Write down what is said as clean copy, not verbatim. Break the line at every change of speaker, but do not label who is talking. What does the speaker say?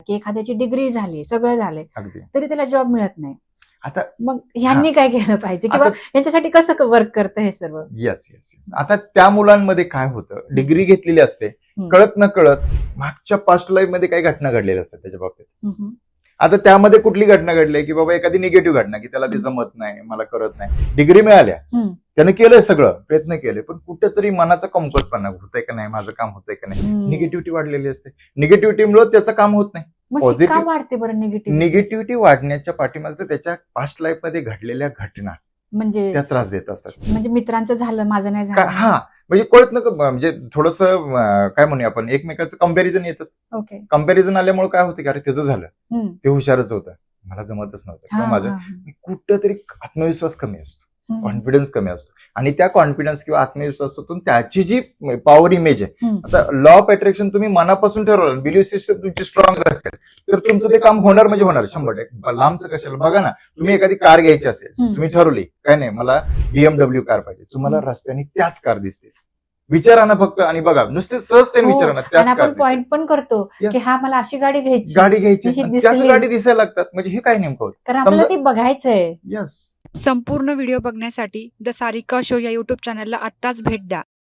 की एखाद्याची डिग्री झाली, सगळं झालंय,
अगदी
तरी त्याला जॉब मिळत नाही.
आता
मग ह्यांनी काय केलं पाहिजे, किंवा यांच्यासाठी कसं वर्क करतं हे सर्व?
Yes yes yes. आता त्या मुलांमध्ये काय होतं, डिग्री घेतलेली असते, कळत न कळत मागच्या पास्ट लाईफ मध्ये काही घटना घडलेल्या असतात त्याच्या बाबतीत. आता त्यामध्ये कुठली घटना घडली की बाबा एखादी निगेटिव्ह घटना, की त्याला ते जमत नाही, मला करत नाही, डिग्री मिळाल्या, त्याने केलंय सगळं, प्रयत्न केले, पण कुठेतरी मनाचा कमकुवतपणा होतंय का नाही, माझं काम होतंय का नाही, निगेटिव्हिटी वाढलेली असते. निगेटिव्हिटीमुळे त्याचं काम होत नाही.
पॉझिटिव्ह वाढते बरं
निगेटिव्हिटी वाढण्याच्या पाठीमागचं त्याच्या पास्ट लाईफ मध्ये घडलेल्या घटना
म्हणजे
त्या त्रास देत असतात.
म्हणजे मित्रांचं झालं, माझं नाही झालं.
हा, म्हणजे कळत न, म्हणजे थोडस काय म्हणूया आपण, एकमेकाचं कंपॅरिझन येतच.
ओके.
कंपॅरिझन आल्यामुळे काय होतं की अरे त्याचं झालं, ते हुशारच होतं, मला जमतच नव्हतं, किंवा माझं कुठंतरी आत्मविश्वास कमी असतो, कॉन्फिडन्स कमी असतो, आणि त्या कॉन्फिडन्स किंवा आत्मविश्वासातून त्याची जी पॉवर इमेज आहे, आता लॉ ऑफ अट्रॅक्शन तुम्ही मनापासून ठरवलं, बिलीव्ह सिस्टम तुमची स्ट्रॉंग असेल, तर तुमचं ते काम होणार म्हणजे होणार 100%. लांबचं कशाला, बघा ना, तुम्ही एखादी कार घ्यायची असेल, तुम्ही ठरवली काय नाही मला BMW कार पाहिजे, तुम्हाला रस्त्याने त्याच कार दिसते, विचारा ना फक्त, आणि बघा नुसते सहजतेने विचारा ना, त्याच कार
पॉइंट पण करतो की हा मला अशी गाडी घ्यायची,
त्याच गाडी दिसायला लागतात. म्हणजे हे काय नेमकं होतं,
कारण आपल्याला ती बघायचंय.
यस.
संपूर्ण व्हिडिओ बघण्यासाठी द सारिका शो या युट्यूब चॅनलला आत्ताच भेट द्या.